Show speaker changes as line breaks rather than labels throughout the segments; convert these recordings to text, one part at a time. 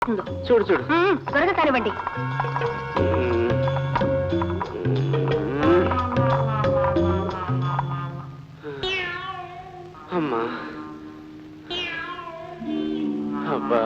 చూడు చూడు
త్వరగా కానివ్వండి.
అమ్మా అబ్బా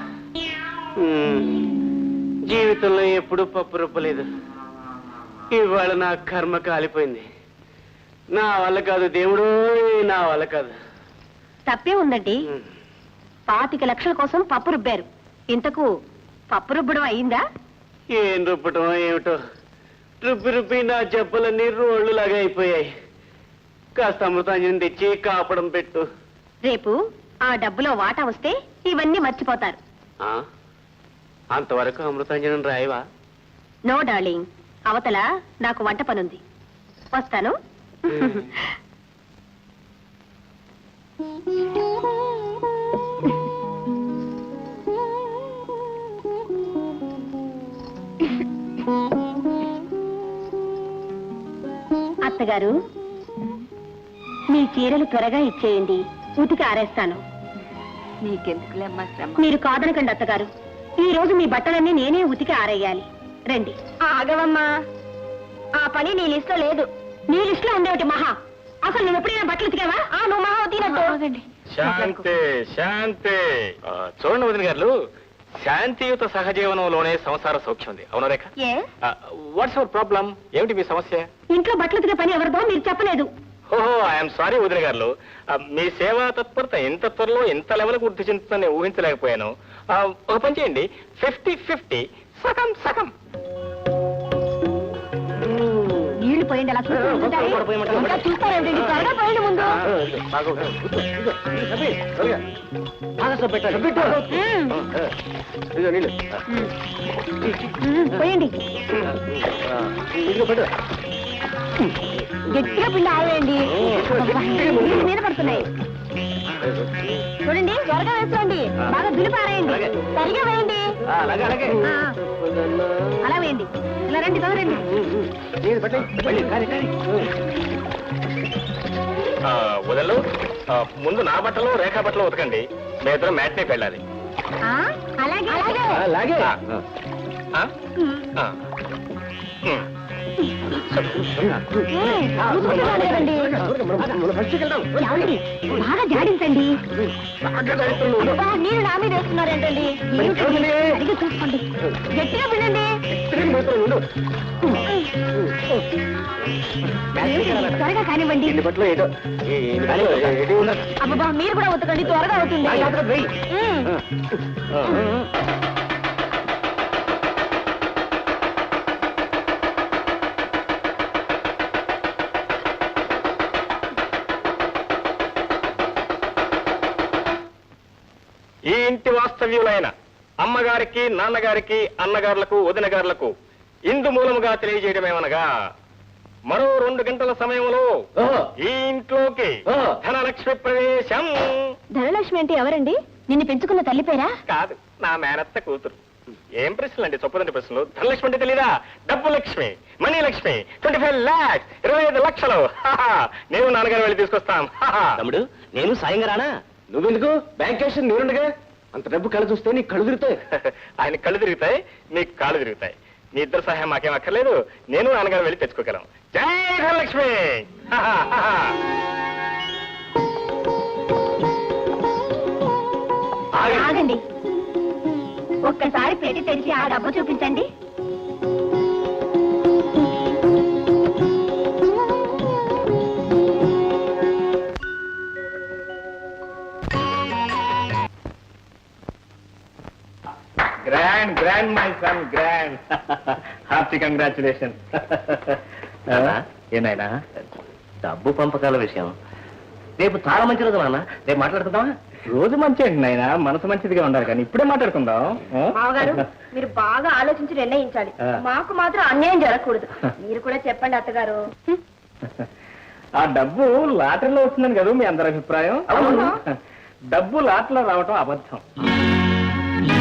జీవితంలో ఎప్పుడూ పప్పు రుబ్బలేదు. ఇవాళ నా కర్మ కాలిపోయింది. నా వల్ల కాదు దేవుడు, నా వల్ల కాదు.
తప్పే ఉందండి. 25 లక్షల కోసం పప్పు రుబ్బారు. ఇంతకు పప్పు రుబ్బడం అయిందా?
ఏం రుబ్బటం ఏమిటో, రుబ్బి రుబ్బి నా జబ్బులన్నీ రోళ్లులాగా అయిపోయాయి. కాస్త అమృతాంజనం తెచ్చి కాపడం పెట్టు.
రేపు ఆ డబ్బులో వాటా వస్తే ఇవన్నీ మర్చిపోతారు.
అంతవరకు అమృతాంజనం రాయవా?
నో డార్లింగ్, అవతల నాకు వంట పనుంది. వస్తాను. అత్తగారు, మీ చీరలు త్వరగా ఇచ్చేయండి, ఉతికి ఆరేస్తాను.
నీకెందుకులేమ్మా శ్రమ.
మీరు కాదనకండి అత్తగారు, ఈ రోజు మీ బట్టలన్నీ నేనే ఉతికి ఆరేయాలి. రండి. ఆగవమ్మా, ఆ పని నీ లిస్ట్ లో లేదు. నీ లిస్ట్ లో ఉండేటి మహా. అసలు నువ్వు ఎప్పుడైనా బట్టలు ఉతికావా? నువ్వు మహా ఉతికినట్టు.
శాంతి శాంతి. చూడండి వదిన గారు, శాంతియుత సహజీవనంలోనే సంసార సౌఖ్యం ఉంది. అవునా రేఖ? What's your problem? ఏమిటి మీ సమస్య?
ఇంట్లో బట్టలు ఉతికే పని ఎవరిదో మీరు చెప్పలేదు.
ఓహో, ఐఎమ్ సారీ వదిన గారు. మీ సేవా తత్పరత ఇంత త్వరలో ఇంత లెవెల్ వృద్ధి చెందుతుందని ఊహించలేకపోయాను. ఒక పని చేయండి, 50-50 సగం సగం.
నీళ్లు పోయండి, అలా చూస్తారేంటి? త్వరగా పోయండి ముందు. పోయండి, గట్టిగా పిండి ఆవేయండి. మీద పడుతున్నాయి చూడండి. త్వరగా వేసుకోండి, బాగా దులిపారేయండి, సరిగా వేయండి. అలా వేయండి. ఇలా రండి, తొందరండి.
వదలు, ముందు నా బట్టలు రేఖా బట్టలు ఉతకండి. మీ ఇద్దరు మ్యాట్నీకి వెళ్ళాలి.
అలాగే
అలాగే.
బాగా జాడించండి. నీళ్ళు నా మీద వేస్తున్నారేంటండి? సరిగ్గా చూసుకోండి, గట్టిగా వినండి. త్వరగా కానివ్వండి. అబ్బా, మీరు కూడా ఉతకండి, త్వరగా అవుతుంది.
ఈ ఇంటి వాస్తవ్యులైన అమ్మగారికి, నాన్నగారికి, అన్నగారులకు, వదినగారులకు ఇందు మూలముగా తెలియజేయడమేమనగా, మరో 2 గంటల సమయంలో ఈ ఇంట్లోకి ధనలక్ష్మి ప్రవేశం.
ధనలక్ష్మి అంటే ఎవరండి? నిన్ను పెంచుకున్న తల్లి పేరా?
కాదు, నా మేనత్త కూతురు. ఏం ప్రశ్నలు అండి, చొప్పదండి ప్రశ్నలు. ధనలక్ష్మి అంటే తెలీదా? డబ్బు లక్ష్మి, మనీ లక్ష్మి. 25 lakhs, 25 లక్షలు. నేను నాన్నగారు వెళ్ళి తీసుకొస్తాం.
తమ్ముడు, నేను సాయంగా రానా? నువ్వెందుకు? బ్యాంక్ క్యాష్ నేనుండగా. అంత డబ్బు కళ్ళు చూస్తే నీకు కళ్ళు తిరుగుతాయి.
ఆయన కళ్ళు తిరుగుతాయి, నీకు కాళ్ళు తిరుగుతాయి. మీ ఇద్దరు సహాయం మాకేం అక్కర్లేదు, నేను నాన్నగారు వెళ్ళి తెచ్చుకోగలం. జై ధనలక్ష్మి.
ఆగండి, ఒక్కసారి పెట్టి తెరిచి ఆ డబ్బు చూపించండి.
Grand grand my son, grand. Hearty congratulation. ఏనాయనా,
డబ్బు పంపకాల విషయం రేపు చాలా మంచి రోజు నాన్న. రేపు మాట్లాడుకుందామా?
రోజు మంచి అండి నాయన, మనసు మంచిదిగా ఉండాలి, కానీ ఇప్పుడే మాట్లాడుకుందాం.
మామగారు, మీరు బాగా ఆలోచించి నిర్ణయించాలి. మాకు మాత్రం అన్యాయం జరగకూడదు. మీరు కూడా చెప్పండి అత్తగారు.
ఆ డబ్బు లాటరీలో వస్తుందని కదా మీ అందరి అభిప్రాయం? డబ్బు లాటరీలో రావటం అబద్ధం.